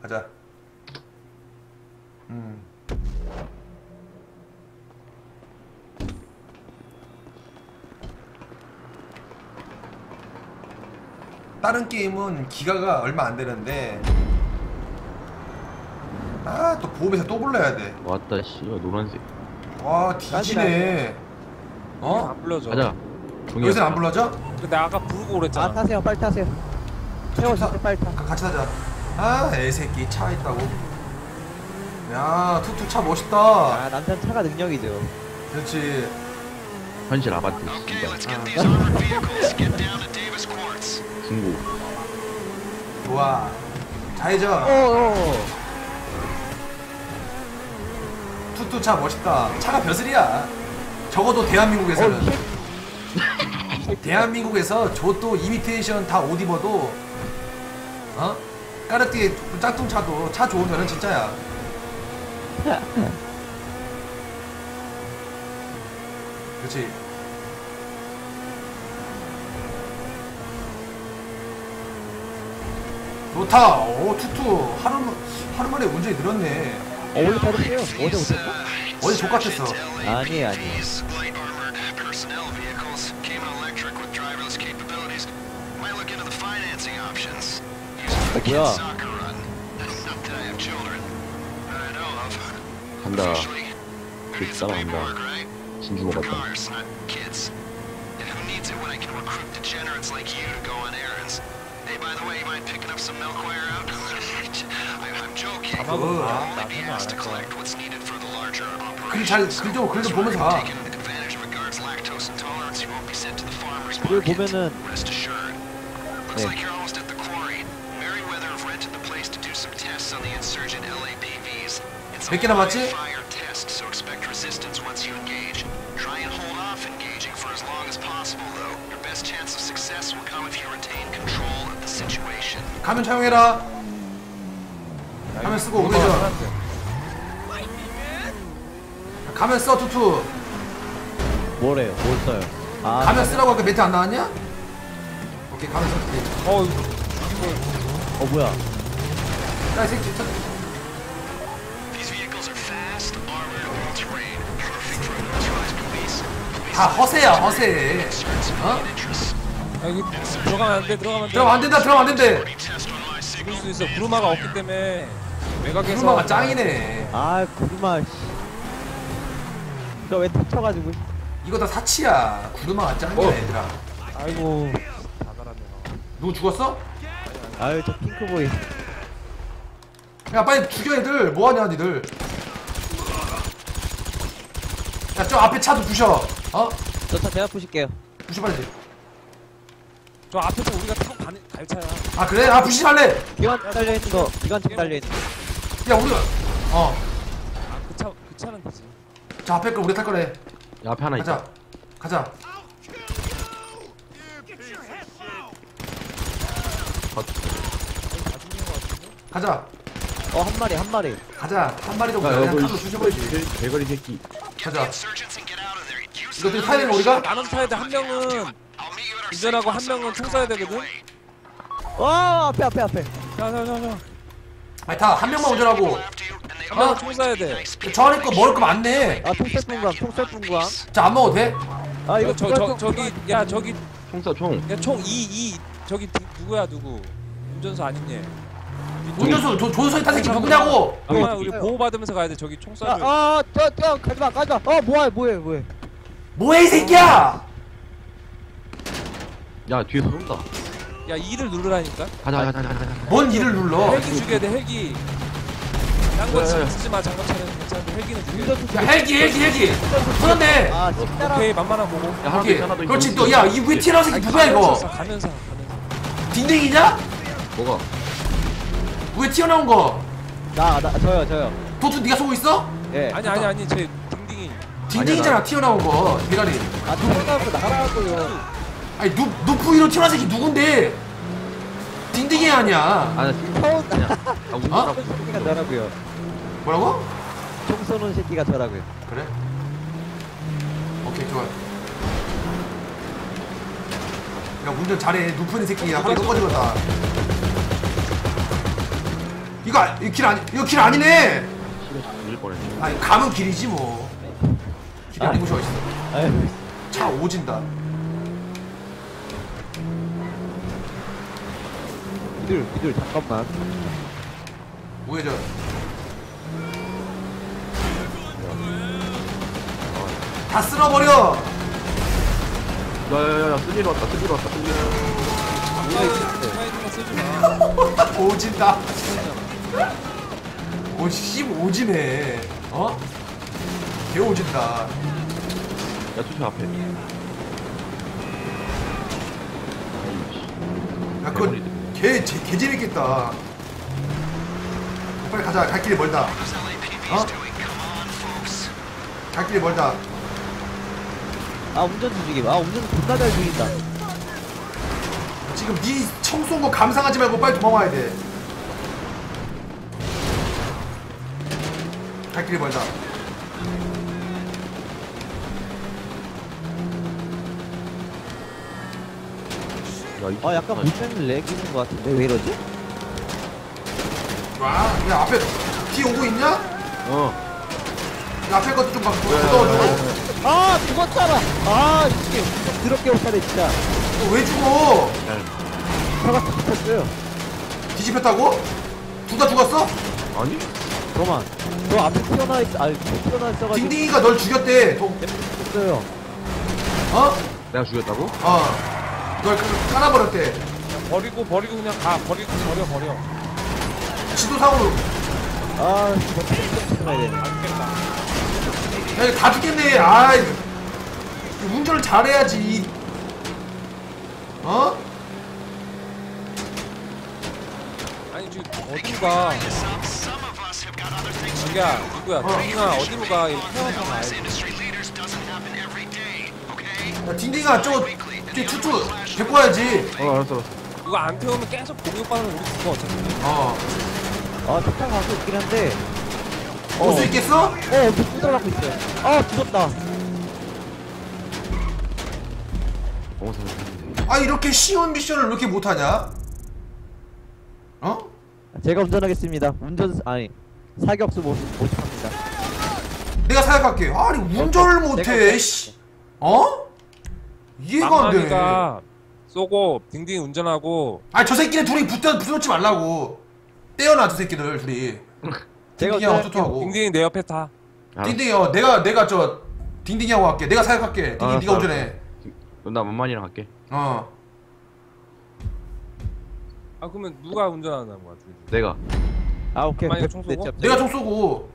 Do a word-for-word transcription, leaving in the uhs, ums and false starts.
가자. 음. 다른 게임은 기가가 얼마 안 되는데 아 또 보험회사 또 불러야 돼. 왔다 씨 노란색. 와 뒤지네. 어? 안 불러줘. 가자. 여기서 안 불러줘? 근데 아까 부르고 그랬잖아. 아 타세요 빨리 타세요. 태워 진짜 빨리 타. 가- 같이 타자. 아 애새끼 차 있다고. 야 투투 차 멋있다. 아 남편 차가 능력이죠. 그렇지. 현실 아바트 씨발. 중고. 좋아. 좌회전. 어어. 투투 차 멋있다. 차가 벼슬이야. 적어도 대한민국에서는. 대한민국에서 저도 이미테이션 다 옷 입어도 어? 까르띠에 짝퉁차도 차 좋은 거는 진짜야. 그렇지. 좋다. 오 투투 하루 하루 만에 운전이 늘었네. 어 원래 잘했어요. 어제 못했나? 어제 족같았어. 아니에요 아니에요. 어, 뭐야? 간다. 그 따라간다. 진주 먹었다. 그, 글잘글좀 글 좀 보면서 가. 그걸 보면은 네. 몇 개 남았지? 가면 차용해라. 가면 쓰고 우회전. 가면 써 투투. 뭐래요? 뭘 써요? 아 가면 쓰라고 아까 멘트 안 나왔냐? 오케이 가면 써 투투. 어, 어 뭐야? 야 이 새끼 저... 다 허세야 허세. 어? 야, 이거 들어가면 안 돼. 들어가면 안 돼. 들어가면 안 된다 들어가면 안 된대. 죽을 수 있어. 구루마가 없기 때문에 외곽에서. 구루마가 짱이네. 아 구르마 씨. 저왜 터쳐가지고? 이거 다 사치야. 구루마가 짱이야 어. 얘들아. 아이고. 다 갈았네. 누구 죽었어? 아유 저 핑크보이. 야 빨리 죽여 애들. 뭐하냐 니들. 야 저 앞에 차도 부셔. 어? 저 차 제가 부실게요. 부셔 빨리. 저 앞에서 우리가 타고 가는 갈차야. 아 그래? 아 부시지 말래. 기관총 달려 있는 거. 기관총 달려 있는 거. 야 우리가 어. 아그 차 그 차는 되지. 저 앞에 거 우리 탈 거래. 야, 앞에 하나 있다. 가자. 가자. 가자. 어 한 마리 한 마리. 가자. 한 마리 정도 야, 그냥 여보, 칼로 이 쑤셔버리지. 대- 대가리 새끼. 가자. 이것들 타야 되는 거 우리가? 나는 타야 돼. 한 명은 운전하고 한 명은 총 쏴야 되거든. 와 앞에 앞에 앞에. 자자자자. 아니 다 한 명만 운전하고. 한 명은 총 쏴야 돼. 저 안에 거 먹을 거 많네. 아 통셀 분광 통셀 분광. 자 안 먹어도 돼? 아 이거 이거 저 저 저기 야 저기 총 쏴, 총. 야 총 이 이 저기 누, 누구야 누구? 운전수 아닌 얘. 운전수 조, 조수석에 탄 새끼 누구냐고. 잠깐만 우리 보호 받으면서 가야 돼. 저기 총 쏴줘. 아저저 가지마 가지마. 어 뭐야 뭐해 뭐해. 뭐해 이 새끼야. 야, 뒤에서 쏜다. 야 이를 누르라니까. 가자, 가자, 가자, 가자. 가자. 뭔 일을 눌러. 헬기 죽여야 돼 헬기. 딴거 야, 야, 야. 쓰지 마. 장갑 차는 괜찮은데 헬기는 죽여. 운전수 야 헬기 헬기 헬기. 터졌네. 아 식사랑. 오케이 만만한 보고. 야, 하나 더 오케이. 있어, 하나 더 있어. 그렇지 또 야 이 위에 튀어나온 새끼 누구야 이거. 가면서 가면서. 딩딩이냐? 뭐가? 위에 튀어나온 거. 나 나 저요 저요. 도투 네가 쏘고 있어? 예. 아니 아니 아니 제 딩딩이. 딩딩이잖아 튀어나온 거 대가리. 아 태어나고 나가라고요. 아니 누 누프이로 튀어나온 새끼 누군데? 딩딩이 아니야. 아, 나 지금 처음 그냥. 아, 어? 운전하고. 쏘는 새끼가 저라고요. 뭐라고? 총 쏘는 새끼가 저라고요. 그래? 오케이 좋아. 야 운전 잘해. 누프이 새끼야. 하루 꺼지겠다. 이거 아- 이거 길 아니 이거 길 아니네. 밀 뻔했네. 아니 가면 길이지 뭐. 길이 아. 아니고 저 있어. 아유, 차 오진다. 미들, 미들, 잠깐만. 우회전. 다 쓸어버려. 야야야야 쓸일 왔다 쓸일 왔다 쓸일. 스파이드만 쓰지 마. 오진다. 오, 씨, 오지네. 어? 개 오진다. 야 투표 앞에. 야, 그거 개, 개, 개 재밌겠다. 빨리 가자. 갈 길이 멀다. 어? 갈 길이 멀다. 아, 운전 중이게. 아, 운전 존나 잘 중인다. 지금 네 청소한 거 감상하지 말고 빨리 도망와야 돼. 갈 길이 멀다. 야, 이 아, 약간 물병이 렉 있는 것 같은데. 왜 이러지? 와, 야 앞에 뒤 오고 있냐? 어. 야, 앞에 것도 좀 봐. 걷어주고. 아, 죽었잖아. 아, 이게 좀 더럽게 못하네, 진짜. 왜 죽어? 차가 다 붙었어요. 뒤집혔다고? 둘 다 죽었어? 아니? 잠깐만. 저 앞에 튀어나와 있, 아니, 튀어나와 있어가지고. 딩딩이가 널 죽였대. 도, 죽었어요. 어? 내가 죽였다고? 어. 널 그- 깔아버렸대. 버리고 버리고 그냥 가. 버리고 버려 버려. 지도상으로. 아, 이거 튀어나야 되네. 안 죽겠다. 야, 이거 다 죽겠네. 아이. 운전을 잘해야지. 어? 아니 지금 어디로 가? 자기야 누구야? 동민아 어디로 가? 이거 태워서 가야지. 야, 딩딩아, 저거, 뒤 투투, 데리고 와야지. 어 알았어 알았어. 이거 안 태우면 계속 공격받는 우리 죽어 어차피. 어. 아, 차 가고 있긴 한데. 올 수 있겠어? 어, 엄청 두드러가고 있어요. 아, 죽었다. 어서. 아, 이렇게 쉬운 미션을 왜 이렇게 못하냐? 어? 제가 운전하겠습니다. 운전, 아니, 사격수 못, 못합니다. 내가 사역할게. 아니, 운전을 내가 못해, 씨. 어? 이해가 안 돼. 망망이가 쏘고 딩딩 운전하고. 아니, 저 새끼네 둘이 붙어, 붙여놓지 말라고. 떼어놔, 저 새끼들, 둘이. 제가 딩딩이하고 운전할게요. 투투하고. 딩딩이 내 옆에 타. 딩딩이 형, 내가, 내가 저, 딩딩이하고 갈게. 내가 사역할게. 딩딩이 알았어, 네가 알았어. 운전해. 나 만만이랑 갈게. 어. 아 그러면 누가 운전하는 거야? 둘이? 내가. 아, 오케이. 만약에 백- 총 네, 쏘고? 짭, 짭. 내가 총 쏘고.